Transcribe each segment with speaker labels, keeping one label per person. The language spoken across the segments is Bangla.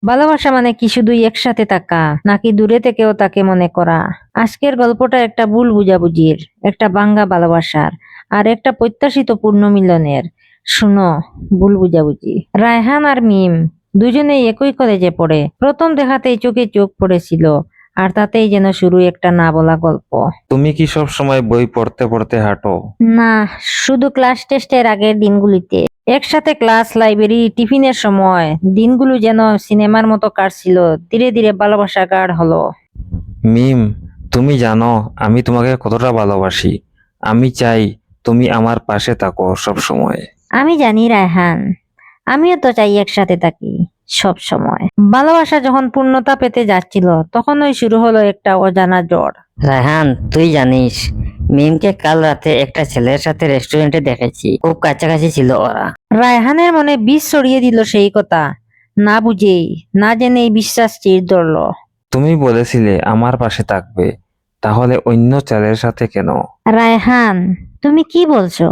Speaker 1: ভালোবাসা মানে কি শুধুই একসাথে থাকা, নাকি দূরে থেকেও তাকে মনে করা? আজকের গল্পটা একটা ভুল বুঝাবুঝির, একটা ভাঙ্গা ভালোবাসার, আর একটা প্রত্যাশিত পূর্ণ মিলনের। শুনো, ভুল বুঝাবুঝি। রায়হান আর মিম দুজনেই একই কলেজে পড়ে। প্রথম দেখাতেই চোখে চোখ পড়েছিল, আর তাতেই যেন শুরু একটা না বলা গল্প।
Speaker 2: তুমি কি সব সময় বই পড়তে পড়তে হাঁটো?
Speaker 1: না, শুধু ক্লাস টেস্টের আগের দিনগুলিতে। একসাথে ক্লাস, লাইব্রেরি, টিফিনের সময় দিনগুলো যেন সিনেমার মতো কাটছিল। ধীরে ধীরে ভালোবাসা গাঢ় হলো।
Speaker 2: মিম, তুমি জানো আমি তোমাকে কতটা ভালোবাসি। আমি চাই তুমি আমার পাশে থাকো সব সময়।
Speaker 1: আমি জানি রায়হান, আমিও তো চাই একসাথে থাকি সব সময়। ভালোবাসা যখন পূর্ণতা পেতে যাচ্ছিল, তখনই শুরু হলো একটা অজানা জ্বর।
Speaker 3: রায়হান, তুই জানিস মিমকে কাল রাতে একটা ছেলের সাথে রেস্টুরেন্টে দেখেছি। খুব কাছাকাছি ছিল ওরা।
Speaker 1: রায়হানের মনে বিষ ছড়িয়ে দিল সেই কথা। না বুঝেই, না জেনেই বিশ্বাস চির ধরল।
Speaker 2: তুমি বলেছিলে আমার পাশে থাকবে, তাহলে অন্য ছেলের সাথে কেন?
Speaker 1: রায়হান, তুমি কি বলছো?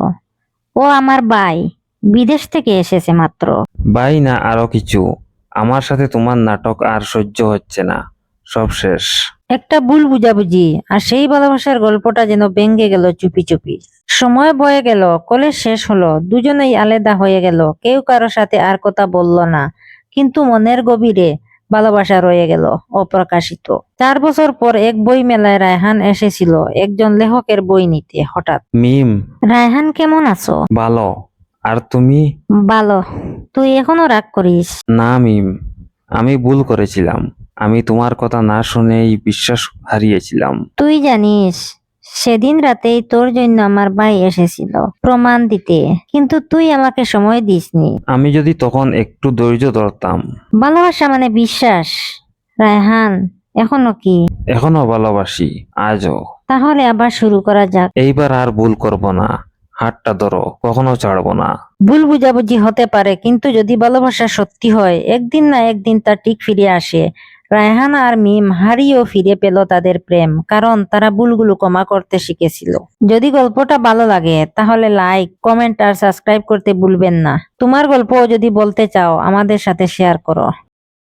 Speaker 1: ও আমার ভাই, বিদেশ থেকে এসেছে মাত্র।
Speaker 2: ভাই না আরো কিছু? আমার সাথে তোমার নাটক আর সহ্য হচ্ছে না, সব শেষ।
Speaker 1: একটা ভুল বুঝাবুঝি, আর সেই ভালোবাসার গল্পটা যেন ভেঙে গেল চুপি চুপি। সময় বয়ে গেল, কলেজ শেষ হলো, দুজনেই আলাদা হয়ে গেল। কেউ কারো সাথে আর কথা বলল না, কিন্তু মনের গভীরে ভালোবাসা রয়ে গেল অপ্রকাশিত। 4 বছর পর এক বই মেলায় রায়হান এসেছিল একজন লেখকের বই নিতে। হঠাৎ,
Speaker 2: মিম,
Speaker 1: রায়হান কেমন আছো?
Speaker 2: ভালো। আর তুমি?
Speaker 1: ভালো। তুই এখনো রাগ করিস?
Speaker 2: না মিম, আমি ভুল করেছিলাম। আমি তোমার কথা না শুনেই বিশ্বাস হারিয়েছিলাম।
Speaker 1: তুই জানিস, সেদিন রাতেই তোর জন্য আমার ভাই এসেছিল প্রমাণ দিতে, কিন্তু তুই আমাকে সময় দিসনি।
Speaker 2: আমি যদি তখন একটু ধৈর্য ধরতাম।
Speaker 1: ভালোবাসা মানে বিশ্বাস, রায়হান। এখনো কি?
Speaker 2: এখনো ভালোবাসি, আজও।
Speaker 1: তাহলে আবার শুরু করা যাক।
Speaker 2: এইবার আর ভুল করব না। হাতটা ধরো, কখনো ছাড়বো না।
Speaker 1: ভুল বুঝাবুঝি হতে পারে, কিন্তু যদি ভালোবাসা সত্যি হয়, একদিন না একদিন তা ঠিক ফিরে আসে। রায়হান আর মিম হারিয়েও ফিরে পেল তাদের প্রেম, কারণ তারা ভুলগুলো ক্ষমা করতে শিখেছিল। যদি গল্পটা ভালো লাগে, তাহলে লাইক, কমেন্ট আর সাবস্ক্রাইব করতে ভুলবেন না। তোমার গল্পও যদি বলতে চাও, আমাদের সাথে শেয়ার করো।